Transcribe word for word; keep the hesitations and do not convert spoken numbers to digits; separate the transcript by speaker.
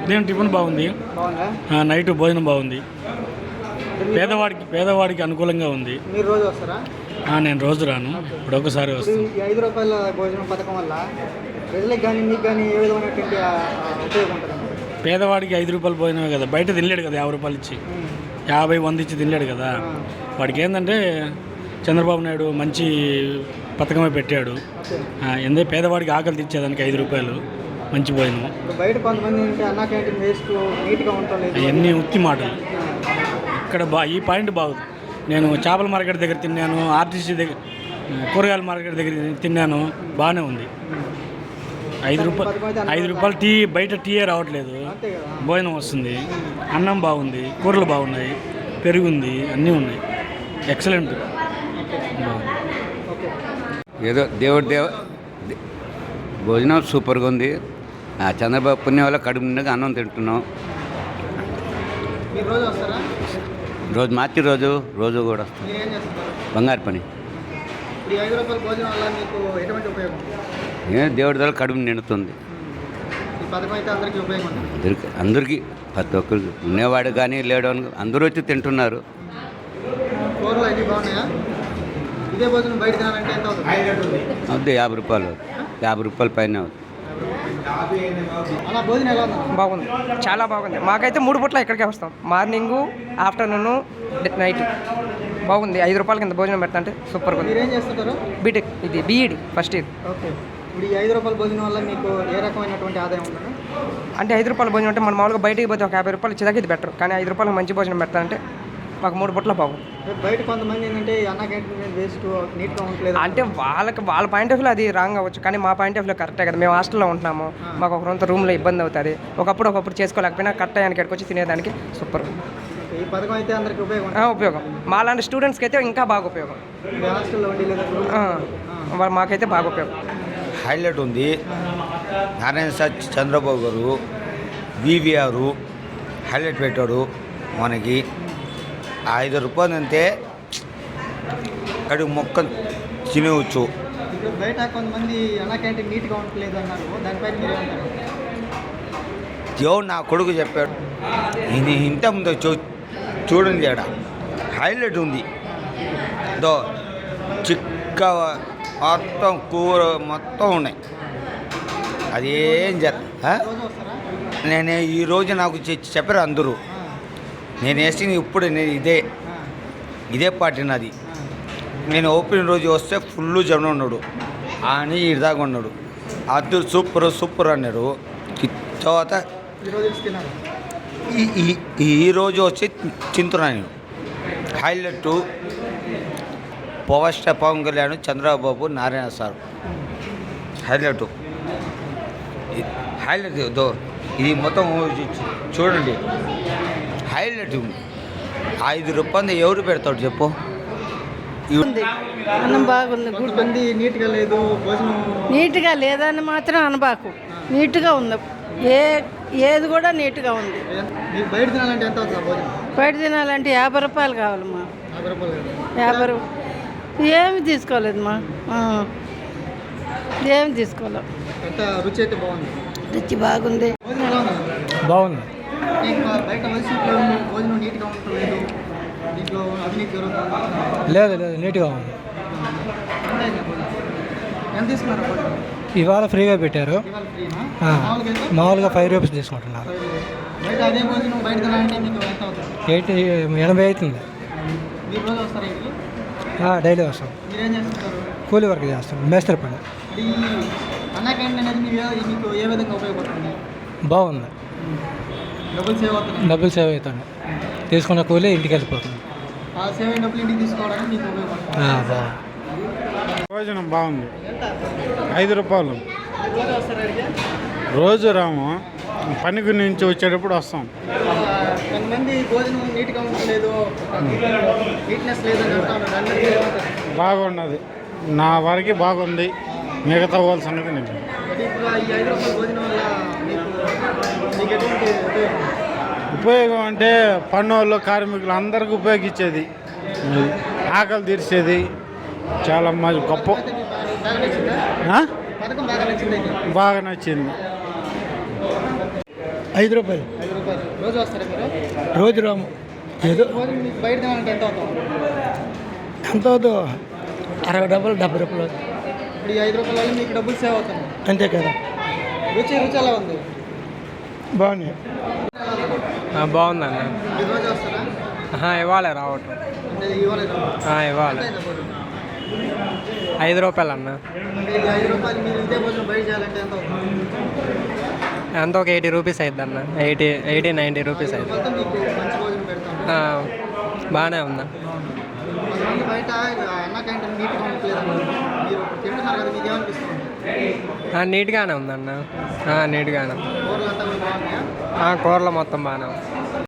Speaker 1: ఉదయం టిఫిన్ బాగుంది, నైట్ భోజనం బాగుంది. పేదవాడికి పేదవాడికి అనుకూలంగా ఉంది.
Speaker 2: మీరు రోజు వస్తారా?
Speaker 1: నేను రోజు రాను, ఇప్పుడు ఒకసారి వస్తాను.
Speaker 2: ఐదు రూపాయల భోజనం పథకం వల్ల ప్రజలకు కానీ మీకు కానీ ఏ విధమైనటువంటి ఉపయోగం ఉంటుంది?
Speaker 1: పేదవాడికి ఐదు రూపాయలు భోజనమే కదా, బయట తినలేడు కదా, యాభై రూపాయలు ఇచ్చి యాభై వంద ఇచ్చి తినలేడు కదా. వాడికి ఏంటంటే చంద్రబాబు నాయుడు మంచి పథకమే పెట్టాడు. ఎందే పేదవాడికి ఆకలి తీర్చేదానికి ఐదు రూపాయలు మంచి భోజనం.
Speaker 2: బయట కొంతమంది అన్నా క్యాంటీన్ వేస్ట్ నీట్గా ఉంటుంది,
Speaker 1: అవన్నీ ఉత్తి మాటలు. ఇక్కడ బా ఈ పాయింట్ బాగుంది. నేను చేపల మార్కెట్ దగ్గర తిన్నాను, ఆర్టీసీ దగ్గర కూరగాయల మార్కెట్ దగ్గర తిన్నాను, బాగానే ఉంది. ఐదు రూపాయలు ఐదు రూపాయలు టీ బయట టీయే రావట్లేదు, భోజనం వస్తుంది, అన్నం బాగుంది, కూరలు బాగున్నాయి, పెరుగుంది, అన్నీ ఉన్నాయి. ఎక్సలెంట్.
Speaker 3: ఏదో దేవుడు దేవ భోజనం సూపర్గా ఉంది. చంద్రబాబు పుణ్యం వల్ల కడుపు నిండుగా అన్నం తింటున్నాం. రోజు మార్చి రోజు రోజు కూడా వస్తాం, బంగారు పని. ఏ దేవుడి ద్వారా కడుపు నిండుతుంది అందరికి అందరికీ ప్రతి ఒక్కరికి, ఉన్నవాడు కానీ లేడు అని అందరూ వచ్చి తింటున్నారు. అవుతుంది యాభై రూపాయలు యాభై రూపాయల పైన అవుతుంది.
Speaker 4: బాగుంది, చాలా బాగుంది. మాకైతే మూడు పూట్ల ఇక్కడికే వస్తాం, మార్నింగు, ఆఫ్టర్నూను, నైట్. బాగుంది. ఐదు రూపాయల కింద భోజనం పెడతా అంటే సూపర్గా ఉంది. బీటెక్ ఇది బీఈడి ఫస్ట్ ఇయర్.
Speaker 2: ఇప్పుడు ఈ ఐదు రూపాయల భోజనం వల్ల మీకు ఏ రకమైనటువంటి ఆదాయం ఉంటుంది?
Speaker 4: అంటే ఐదు రూపాయల భోజనం అంటే మనం మామూలుగా బయటికి పోతే ఒక యాభై రూపాయలు ఇచ్చేదాకా ఇది బెటర్, కానీ ఐదు రూపాయలకు మంచి భోజనం పెడతానంటే మాకు మూడు పూట్ల బాగుంది.
Speaker 2: బయట కొంతమంది ఏంటంటే అన్న క్యాంటీన్ వేస్ట్ నీట్గా ఉండలేదు
Speaker 4: అంటే వాళ్ళకి వాళ్ళ పాయింట్ ఆఫ్ వ్యూలో అది రాంగ్ అవ్వచ్చు, కానీ మా పాయింట్ ఆఫ్ వ్యూలో కరెక్టే కదా. మేము హాస్టల్లో ఉంటున్నాము, మాకు ఒక రొంత రూమ్లో ఇబ్బంది అవుతుంది. ఒకప్పుడు ఒకప్పుడు చేసుకోలేకపోయినా కరెక్ట్ అయ్యానికి ఇక్కడికి వచ్చి తినేదానికి సూపర్.
Speaker 2: ఈ పథకం అయితే అందరికీ ఉపయోగం
Speaker 4: ఉపయోగం మా లాంటి స్టూడెంట్స్కి అయితే ఇంకా బాగా ఉపయోగం. మాకైతే బాగా ఉపయోగం.
Speaker 5: హైలైట్ ఉంది. నారాయణ సార్ చంద్రబాబు గారు వివిఆర్ హైలైట్ పెట్టాడు మనకి. ఐదు రూపాయలు అంటే కడుగు మొక్క తినవచ్చు.
Speaker 2: బయట కొంతమంది అన్న క్యాంటీన్ నీట్గా ఉండలేదు అన్నారు, దానిపైన మీరు ఏమంటారు?
Speaker 5: దేవుడు నా కొడుకు చెప్పాడు. ఇది ఇంత ముందు చూ చూడండి ఆడ హైలైట్ ఉంది. దో చిక్క మొత్తం కూర మొత్తం ఉన్నాయి. అదేం జర నేను ఈరోజు నాకు చెప్పారు అందరూ. నేను వేసింది ఇప్పుడు నేను ఇదే ఇదే పార్టీ నాది. నేను ఓపెన్ రోజు వస్తే ఫుల్ జనం ఉన్నాడు అని ఇదాగా ఉన్నాడు. అద్దరు సూపర్ సూపర్ అన్నాడు. తర్వాత ఈరోజు వచ్చి తింటున్నాను నేను. Highlight power star Pawan Kalyan, Chandrababu, Narayana sir highlight highlight దో ఇది మొత్తం చూడండి హైలైట్ ఉంది. ఐదు రూపాయలు ఎవరు పెడతాడు చెప్పు?
Speaker 6: అన్నం బాగుంది,
Speaker 2: గుడ్డి నీట్గా లేదు, భోజనం
Speaker 6: నీట్గా లేదని మాత్రం అనబాకు, నీట్గా ఉంది. ఏ ఏది కూడా నీట్గా ఉంది.
Speaker 2: బయట తినాలంటే ఎంత అవుతుంది భోజనం?
Speaker 6: బయట తినాలంటే యాభై రూపాయలు కావాలమ్మా.
Speaker 2: యాభై రూపాయలు
Speaker 6: యాభై రూపాయలు ఏమి తీసుకోలేదమ్మా, ఏమి తీసుకోలేం.
Speaker 2: ఎంత రుచి అయితే బాగుంది,
Speaker 6: రుచి బాగుంది,
Speaker 1: బాగుంది.
Speaker 2: బయట భోజనం నీట్గా ఉండలేదు, దీంట్లో అవినీతి జరుగుతుంది.
Speaker 1: లేదు లేదు నీట్గా ఉంది.
Speaker 2: ఎంత తీసుకున్నారు?
Speaker 1: ఇవాళ ఫ్రీగా పెట్టారు, మామూలుగా ఫైవ్ రూపీస్ తీసుకుంటున్నారు.
Speaker 2: బయట అదే భోజనం బయట తినాలంటే మీకు ఎంత అవుతుంది?
Speaker 1: ఎయిటీ ఎనభై అవుతుంది.
Speaker 2: మీరు రోజు వస్తారా ఇంటికి?
Speaker 1: డైలీ వస్తాం.
Speaker 2: మీరేం చేస్తుంటారు?
Speaker 1: కూలీ వర్క్ చేస్తాం, మేస్త్రి పని.
Speaker 2: ఈ అన్న క్యాంటీన్ అనేది మీకు ఏ విధంగా ఉపయోగపడుతుంది?
Speaker 1: బాగుంది,
Speaker 2: డబ్బులు సేవ్ అవుతుంది.
Speaker 1: డబ్బులు సేవ్ అవుతుంది, తీసుకున్న కూలీ ఇంటికి వెళ్ళిపోతుంది.
Speaker 2: ఆ సేవ్ అయిన డబ్బులు ఇంటికి తీసుకోవడానికి మీకు ఉపయోగపడుతుంది.
Speaker 1: బాగుంది.
Speaker 7: భోజనం బాగుంది. ఐదు రూపాయలు రోజు రాము, పని గురించి వచ్చేటప్పుడు వస్తాం.
Speaker 2: కొంతమంది భోజనం నీట్గా ఉండలేదు, నీట్నెస్ లేదని
Speaker 7: బాగున్నది, నా వరకు బాగుంది. మిగతా వాళ్ళ సంగతి నేను ఉపయోగం అంటే పన్నులు కార్మికులు అందరికీ ఉపయోగించేది, ఆకలి తీర్చేది. చాలా మంచి గొప్ప, బాగా నచ్చింది.
Speaker 8: ఐదు రూపాయలు
Speaker 2: ఐదు రూపాయలు రోజు వస్తారా మీరు
Speaker 8: రోజు రాము ఏదో
Speaker 2: భోజనం మీకు బయట తినాలంటే ఎంత అవుతుంది?
Speaker 8: ఎంత అవుతుందో అరవై డబ్బులు డెబ్బై రూపాయలు అవుతుంది.
Speaker 2: ఇప్పుడు ఈ ఐదు రూపాయల వల్ల మీకు డబ్బులు సేవ్ అవుతుంది.
Speaker 8: అంతే కదా.
Speaker 2: రుచి రుచి ఎలా ఉంది?
Speaker 8: బాగున్నాయి.
Speaker 4: బాగుందన్న.
Speaker 2: ఈ రోజు వస్తారా?
Speaker 4: ఇవ్వాలి రావటం.
Speaker 2: అంటే ఇవాళ
Speaker 4: ఇవ్వాలి. ఐదు రూపాయలు అన్న.
Speaker 2: అంటే ఈ ఐదు రూపాయలు మీరు ఇదే భోజనం బయట చేయాలంటే ఎంత అవుతుంది?
Speaker 4: ఎంత ఒక ఎయిటీ రూపీస్ అవుతుంది అన్న. ఎయిటీ ఎయిటీ నైంటీ రూపీస్ అవుతుంది.
Speaker 2: మొత్తం మీకు మంచి భోజనం పెడతాం.
Speaker 4: బాగానే ఉందా.
Speaker 2: కొంతమంది బయట అన్న క్యాంటీన్ నీట్గా ఉండట్లేదు. మీరు తింటున్నారు కదా, మీకు ఏమనిపిస్తుంది?
Speaker 4: నీట్గానే ఉందన్న. నీట్గానే.
Speaker 2: కూరలు అంతా మీకు బాగున్నాయా?
Speaker 4: కూరలు మొత్తం బాగానే ఉంది.